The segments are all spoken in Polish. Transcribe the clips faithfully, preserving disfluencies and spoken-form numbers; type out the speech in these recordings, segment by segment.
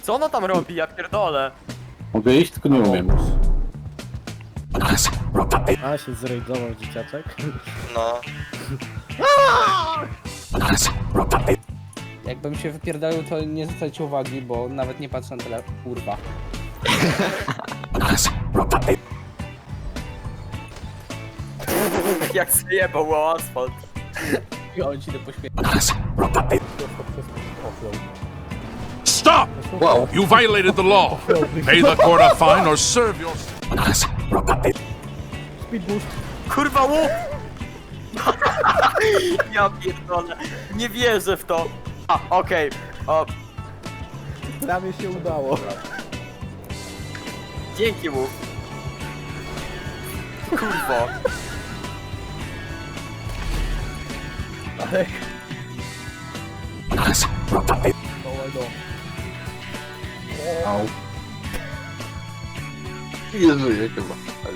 Co ona tam robi? Ja pierdolę. Mogę iść, tylko nie umiem. A, się zrejdował dzieciaczek. No. Jakbym się wypierdolił, to nie zwracajcie uwagi, bo nawet nie patrzę na telefon. Kurwa. Jak zjebał o asfalt. I on ci to poświęca. Stop! Wow. You violated the law. Pay the court a fine or serve your... Speed boost. Kurwa łuk! Ja pierdolę. Nie wierzę w to. A, okej. O, Prawie się udało. dzięki łuk. Kurwo. Alek. Au. Nie żyję chyba.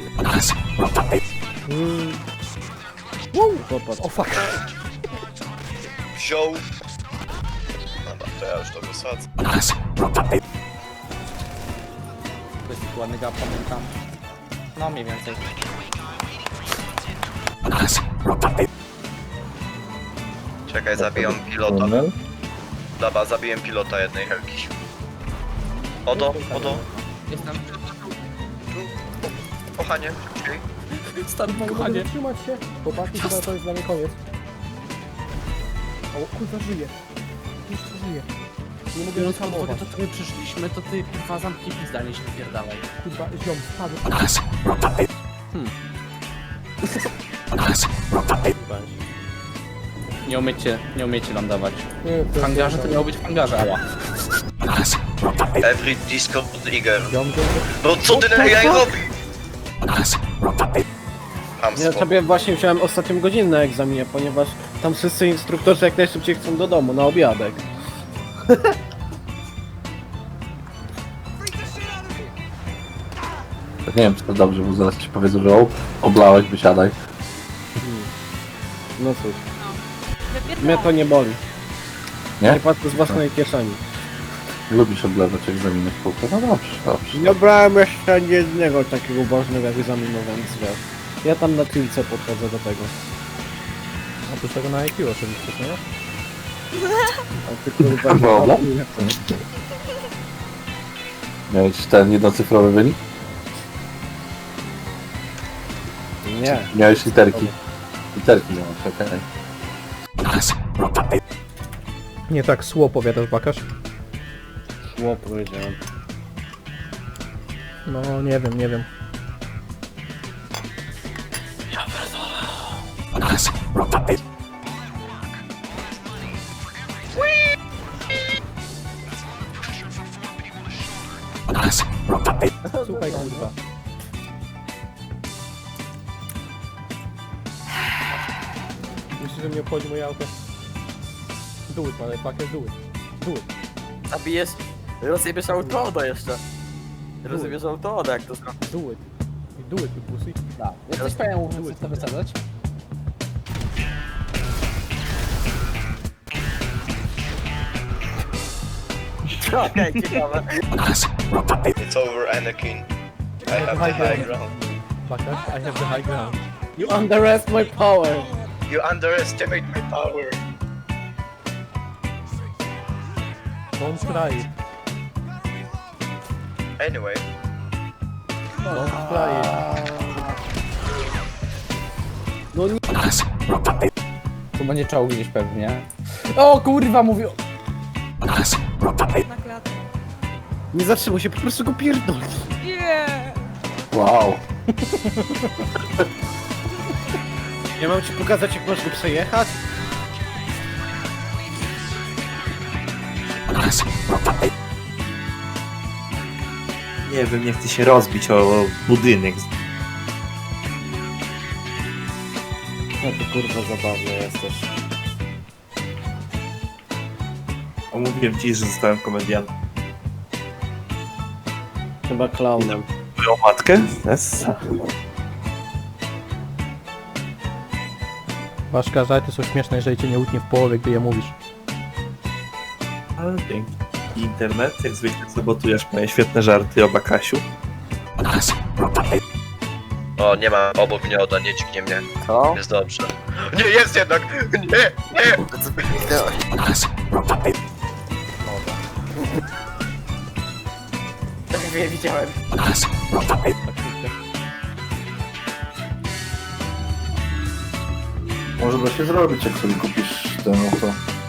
Mm. Wow, popatrz. O fuck. Wziął. Dobra, to ja już to wysadzę. To jest ładny gap, pamiętam. No mniej więcej. Czekaj, zabijam pilota. Dobra, zabiłem pilota jednej helki. Odo, odo. Jestem. Kochanie, okej. Stan Mogę kochanie. trzymać się. Chłopaki, chyba to jest dla mnie koniec. O, kurwa, żyje. Jeszcze żyje. Nie mogę Biorąc pod uwagę wyhamować. to, co my przyszliśmy, to ty kurwa zamknij pizdanie się wypierdalaj. Kurwa, ziom, spadł. Nie umiecie, nie umiecie lądować. Nie, W hangarze to miało być w hangarze, ała. Every Discord Trigger. Ziom, ziom, ziom. No co ty na jaj robi? Ja Hamstwo. sobie właśnie wziąłem ostatnią godzinę na egzaminie, ponieważ tam wszyscy instruktorzy jak najszybciej chcą do domu, na obiadek. Nie wiem, czy to dobrze, bo zaraz ci powiedzą, że o, oblałeś, wysiadaj. No cóż, mnie to nie boli. Nie? Nie patrzę z własnej kieszeni. Lubisz odlewać egzaminy w kółko? No dobrze, dobrze. Nie brałem jeszcze ani jednego takiego ważnego egzaminu, więc wiesz. Ja tam na tylce podchodzę do tego. Oprócz tego na I Q oczywiście, nie? A ty kurwa nie Dobra. ma- Miałeś ten jednocyfrowy wynik? Nie. Miałeś literki. Literki miałeś, okej. Nie tak sło powiadasz, Bakasz? Szło powiedziałem. No nie wiem, nie wiem. Słuchaj kurwa. Myślisz, że mnie obchodzi moje auto? Do it, motherfucker, do it. Do it. Zabijesz... Rozjebiesz autoodo jeszcze. Rozjebiesz autoodo, jak to zrobisz. Do it. Do it, you pussy. Da. Jesteś pewien, mówiąc, co to wysadzać? Okej, ciekawe. It's over, Anakin. I have the high ground. Bakasz, I have the high ground. You underestimate my power. You underestimate my power. Don't try it. Anyway. Don't try it. No nie. Tu będzie czołg gdzieś pewnie. O kurwa, mówię... Na klatę. Nie zatrzymuj się, po prostu go pierdol. Nie! Wow. Ja mam ci pokazać, jak masz go przejechać? Nie wiem, nie chcę się rozbić o budynek. No to kurwa zabawny jesteś. A mówiłem ci, że zostałem komediantem. Chyba klaunem. Moją matkę? Yes. Baszka, żarty są śmieszne, jeżeli cię nie utnie w połowie, gdy je mówisz. Ale dzięki. internet, jak zwykle sabotujesz moje świetne żarty o Bakasiu. O, nie ma obok mnie, Oda, nie dźgnie mnie. Co? Jest dobrze. Nie, jest jednak! Nie, nie! Co ty widziałeś? Tak wie, widziałem. Może da się zrobić, jak sobie kupisz ten oto.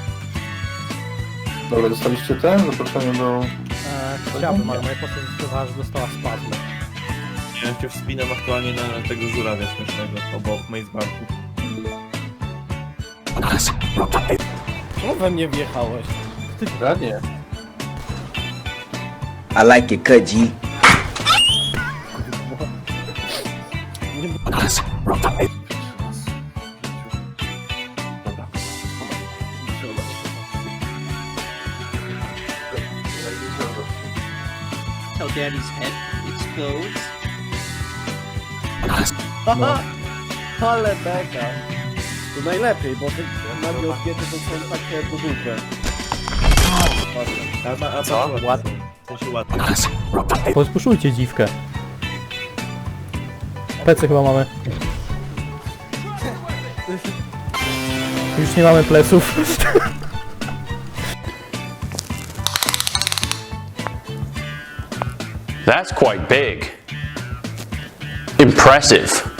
Dobra, dostaliście ten? Zaproszenie do... Eee, chciałbym, ale moja postać zdecydowała, że dostała spazmy. Ja się wspinam aktualnie na tego żurawia śmiesznego, obok Mazebanku. Czemu we mnie wjechałeś? Radnie. I like it, cut G. Tell Daddy's head explodes. Ale beka. To najlepiej, bo te nawiotkiety to są takie do dupy. A, a, a Co? Ładnie. W sensie ładnie. Pospuszujcie dziwkę. Plecy chyba mamy. Już nie mamy pleców. That's quite big. Impressive.